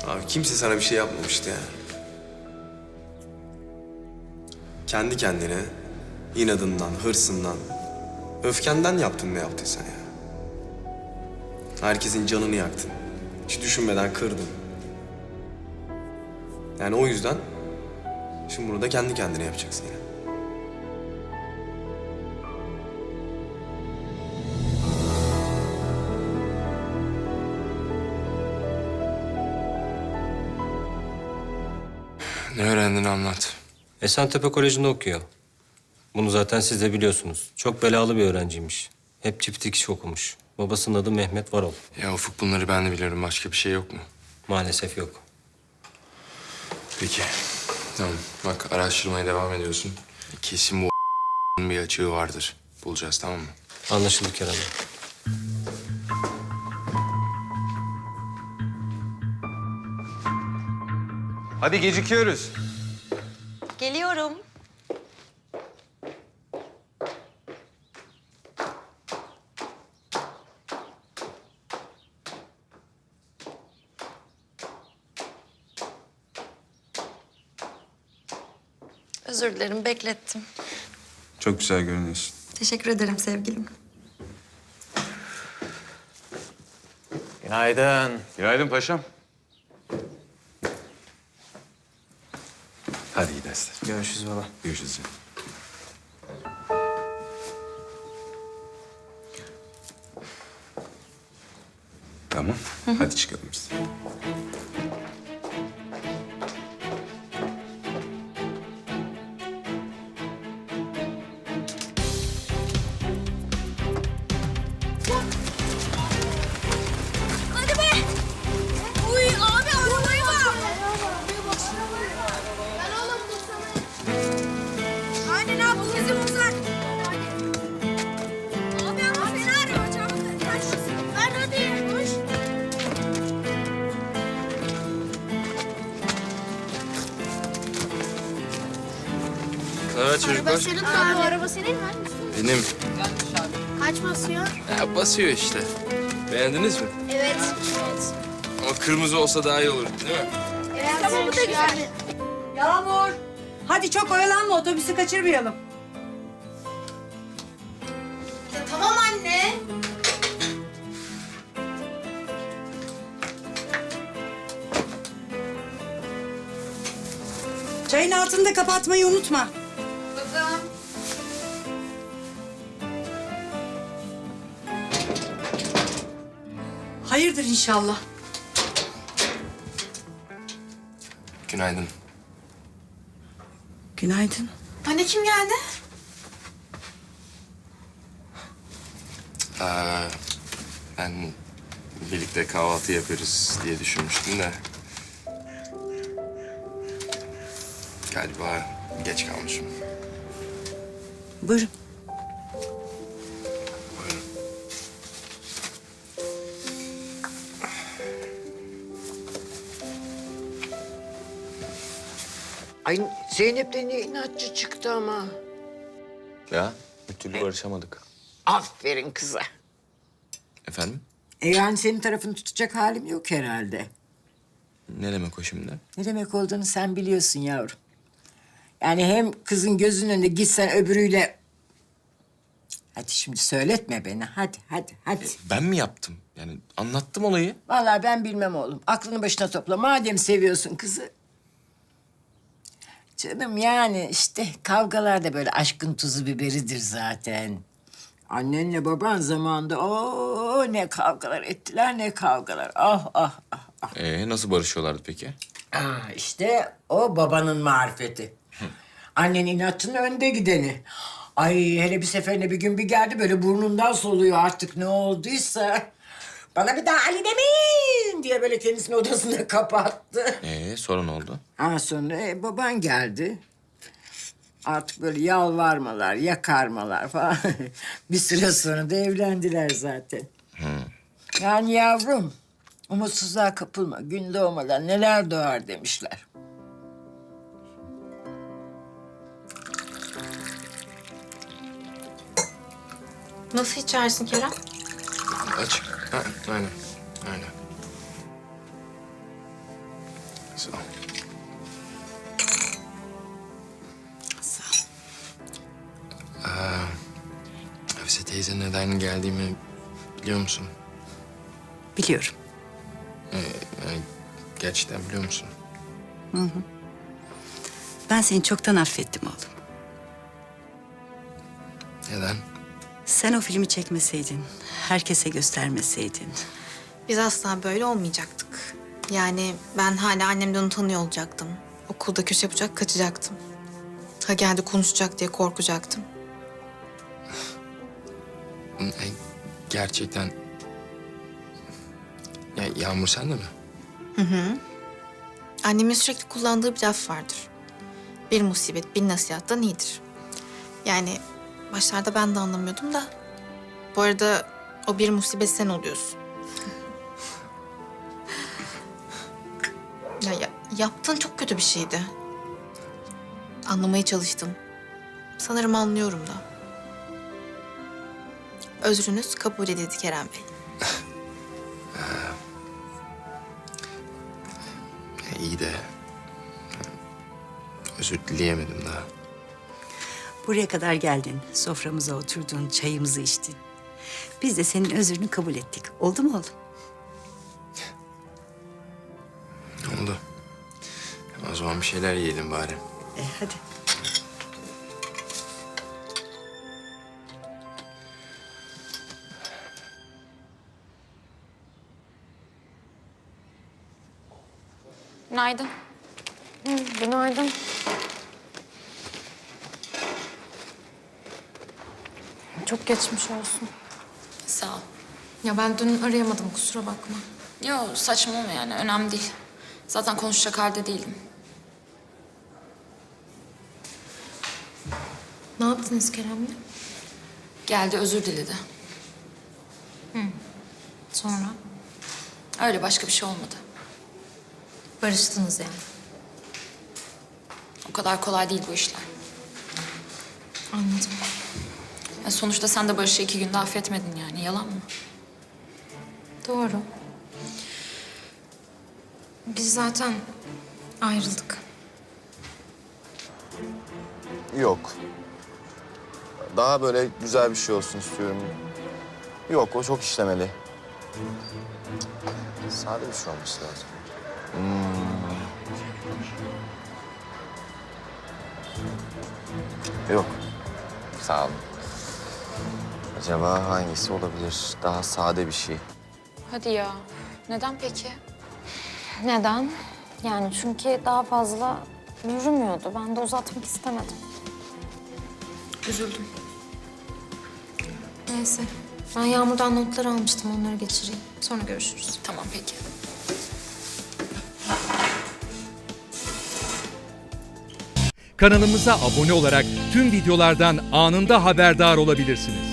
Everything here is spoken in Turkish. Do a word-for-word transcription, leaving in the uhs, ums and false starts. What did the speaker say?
Abi kimse sana bir şey yapmamıştı ya. Kendi kendine, inadından, hırsından, öfkenden yaptın ne yaptıysan ya. Herkesin canını yaktın. Hiç düşünmeden kırdın. Yani o yüzden şimdi bunu da kendi kendine yapacaksın yine. Ne öğrendin anlat. Esentepe Koleji'nde okuyor. Bunu zaten siz de biliyorsunuz. Çok belalı bir öğrenciymiş. Hep çift dikiş okumuş. Babasının adı Mehmet Varol. Ya Ufuk bunları ben de biliyorum. Başka bir şey yok mu? Maalesef yok. Peki. Tamam. Bak araştırmaya devam ediyorsun. Kesin bu bir açığı vardır. Bulacağız tamam mı? Anlaşıldı Kerem Bey. Hadi gecikiyoruz. Geliyorum. Özür dilerim, beklettim. Çok güzel görünüyorsun. Teşekkür ederim sevgilim. Günaydın. Günaydın paşam. Hadi iyi dersler. Görüşürüz baba. Görüşürüz canım. Tamam. Hadi çıkalım biz. Hadi be! Uy abi arabaya bak! Ben oğlum bu sana. Aynen abi bu bizi bulsak. Abi ama fena araba çabuk. Kaç. Ver hadi koş. Evet çocuklar. senin abi. Araba senin mi? Benim. Kaç basıyor? Ya basıyor işte. Beğendiniz mi? Evet. Evet. Ama kırmızı olsa daha iyi olur değil mi? Evet. Tamam bu da güzel. Yağmur. Hadi çok oyalanma, otobüsü kaçırmayalım. Ya, tamam anne. Çayın altını da kapatmayı unutma. Kızım. Hayırdır inşallah. Günaydın. Günaydın. Anne kim geldi? Aa, ben birlikte kahvaltı yaparız diye düşünmüştüm de. Galiba geç kalmışım. Buyurun. Buyurun. Ay Zeynep de ne inatçı çıktı ama. Ya bir türlü barışamadık. Aferin kıza. Efendim? E yani senin tarafını tutacak halim yok herhalde. Ne demek o şimdi? Ne demek olduğunu sen biliyorsun yavrum. Yani hem kızın gözünün önünde gitsen öbürüyle... Hadi şimdi söyletme beni. Hadi, hadi, hadi. Ben mi yaptım? Yani anlattım olayı. Vallahi ben bilmem oğlum. Aklını başına topla. Madem seviyorsun kızı. Canım yani işte kavgalar da böyle aşkın tuzu biberidir zaten. Annenle baban zamanında o ne kavgalar ettiler ne kavgalar. Ah ah ah ah. Ee, nasıl barışıyorlardı peki? Aa, işte o babanın marifeti. Annen inatçının önde gideni. Ay hele bir seferinde bir gün bir geldi böyle burnundan soluyor artık ne olduysa. Bana bir daha Ali demeyin diye böyle kendisini odasına kapattı. Ee, sonra ne oldu? Ha sonra e, baban geldi. Artık böyle yalvarmalar, yakarmalar falan. Bir süre sonra da evlendiler zaten. Yani yavrum, umutsuzluğa kapılma. Gün doğmadan neler doğar demişler. Nasıl içersin Kerem? Aç. Ha, aynen. Aynen. Sağ ol. Sağ ol. Hafize teyze neden geldiğimi biliyor musun? Biliyorum. Yani gerçekten biliyor musun? Ben seni çoktan affettim oğlum. Neden? Sen o filmi çekmeseydin, herkese göstermeseydin. Biz asla böyle olmayacaktık. Yani ben hala annemden utanıyor olacaktım. Okulda köşe bucak kaçacaktım. Ha geldi konuşacak diye korkacaktım. E, Gerçekten... Ya Yağmur sen de mi? Annemin sürekli kullandığı bir laf vardır. Bir musibet bir nasihattan iyidir. Yani başlarda ben de anlamıyordum da. Bu arada o bir musibet sen oluyorsun. ya, ya yaptığın çok kötü bir şeydi. Anlamaya çalıştım. Sanırım anlıyorum da. Özrünüz kabul edildi Kerem Bey. E, iyi de... Özür dileyemedim daha. Buraya kadar geldin, soframıza oturdun, çayımızı içtin. Biz de senin özrünü kabul ettik. Oldu mu oğlum? Oldu. O zaman bir şeyler yiyelim bari. E, hadi. Günaydın. Günaydın. Çok geçmiş olsun. Sağ ol. Ya ben dün arayamadım, kusura bakma. Yo saçmalama yani önemli değil. Zaten konuşacak halde değildim. Ne yaptınız Kerem'le? Geldi özür diledi. Sonra? Öyle başka bir şey olmadı. Barıştınız yani. O kadar kolay değil bu işler. Anladım. Ya sonuçta sen de Barış'ı iki günde affetmedin yani yalan mı? Doğru. Biz zaten ayrıldık. Yok. Daha böyle güzel bir şey olsun istiyorum. Yok, o çok işlemeli. Sade bir şey olması lazım. Hmm. Yok. Sağ olun. Acaba hangisi olabilir? Daha sade bir şey. Hadi ya. Neden peki? Neden? Yani çünkü daha fazla yürümüyordu. Ben de uzatmak istemedim. Üzüldüm. Neyse. Ben Yağmur'dan notları almıştım. Onları geçireyim. Sonra görüşürüz. Tamam peki. Kanalımıza abone olarak tüm videolardan anında haberdar olabilirsiniz.